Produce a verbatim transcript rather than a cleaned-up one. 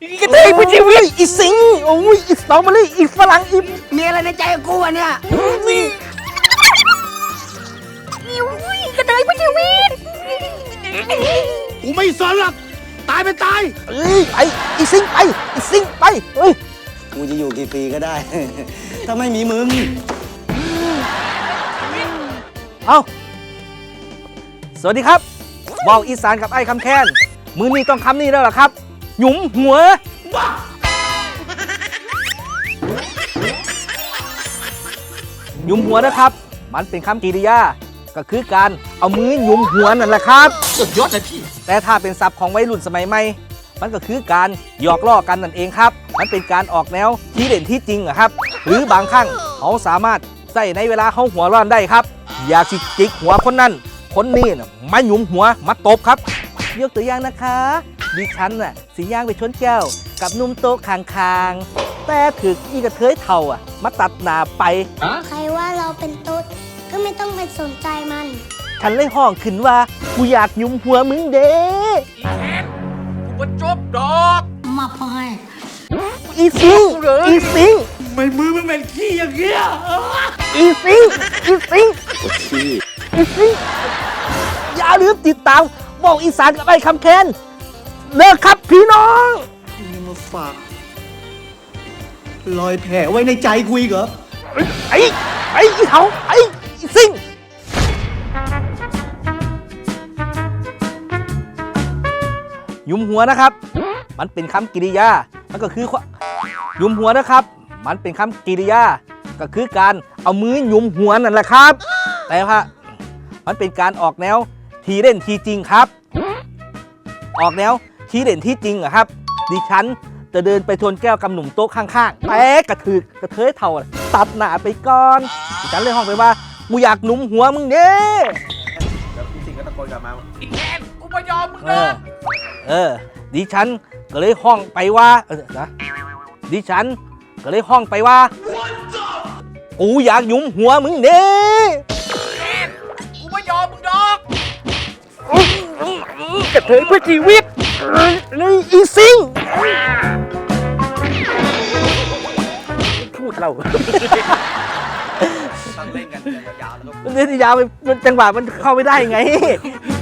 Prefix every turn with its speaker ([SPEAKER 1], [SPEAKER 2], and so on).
[SPEAKER 1] กระเทยเพื่อชีวิตอีสิงโอ้ยอีสตรอเบอรี่อีฝรั่งอี
[SPEAKER 2] มีอะไรในใจกูวะเนี่ย
[SPEAKER 1] นี่
[SPEAKER 3] กระเทยเพื่อชีวิต
[SPEAKER 2] กูไม่สนหรอกตายเป็นตาย
[SPEAKER 1] เอ้ยไปอีสิงไปอีสิงไปเฮ้ย
[SPEAKER 4] กูจะอยู่กี่ปีก็ได้ ถ้าไม่มีมึง
[SPEAKER 1] เอาสวัสดีครับว่าวอีสานกับไอ้คำแค้นมือนี้ต้องคำนี้แล้วล่ะครับหยุมหัวหยุมหัวนะครับมันเป็นคำกริยาก็คือการเอามือหยุมหัวนั่นแหละครับ
[SPEAKER 2] สุดยอดเลยพี่
[SPEAKER 1] แต่ถ้าเป็นศัพท์ของวัยรุ่นสมัยใหม่มันก็คือการหยอกล้อกันนั่นเองครับมันเป็นการออกแนวที่เด่นที่จริงอะครับหรือบางครั้งเขาสามารถใส่ในเวลาเขาหัวร้อนได้ครับอยากสิจิกหัวคนนั้นคนนี้น่ะมาหยุมหัวมาตบครับยกตัวอย่างนะคะดิฉันน่ะสีย่างไปชนแก้วกับนุ่มโต๊ะคางๆแต่ถึกอีกระเทยเท่าอ่ะมาตัดหน้าไป
[SPEAKER 5] ใครว่าเราเป็นตุ๊ดก็ไม่ต้องไปสนใจมัน
[SPEAKER 1] ฉันเลยห้องขึ้นว่ากูอยากหยุมหัวมึงเด้
[SPEAKER 2] กูก็จบดอก
[SPEAKER 5] มาพอย
[SPEAKER 1] อีซิงอีซิง
[SPEAKER 2] ไม่มือมันเป็นขี้อย่างเงี้ย
[SPEAKER 1] อีซิงอีซิงอีซิงอย่าลืมติดตามบอกอีสานกับไอ้คำแคนเลิกครับพี่น้อง
[SPEAKER 4] นี่มาฝาก รอยแผลไว้ในใจกูอีกเหรอ
[SPEAKER 1] ไอ้ไอ้อีเขาไอ้อีซิงหยุมหัวนะครับ มันเป็นคำกริยา มันก็คือหยุมหัวนะครับ มันเป็นคำกริยา ก็คือการเอามือหยุมหัวนั่นแหละครับ แต่ว่ามันเป็นการออกแนวทีเล่นทีจริงครับ ออกแนวทีเด่นที่จริงอะครับ ดิฉันจะเดินไปทวนแก้วกำหนุ่มโต๊ะข้างๆแต่กระถือกระเทยเท่าตัดหน้าไปก่อนดิฉันเลยห้องไปว่ากูอยากหนุ่มหัวมึงเด้
[SPEAKER 2] แล้วพี่สิงก็ตะโกนกลับมาอีแอนกูไม่ยอมมึง
[SPEAKER 1] เอ
[SPEAKER 2] นะ
[SPEAKER 1] อเออดิฉันก็เลยห้องไปว่าเออนะดิฉันก็เลยห้องไปว่ากูอยากหยุมหัวมึงเด้
[SPEAKER 2] กูไม่ยอมมึงดอก
[SPEAKER 1] กระเทยเพื่อชีวิตเลยอีซิงพูดเรา
[SPEAKER 2] ต้องเล่นกันยาวๆแล้วก็
[SPEAKER 1] เล่นยาวไปมันจังหวะมันเข้าไม่ได้ไง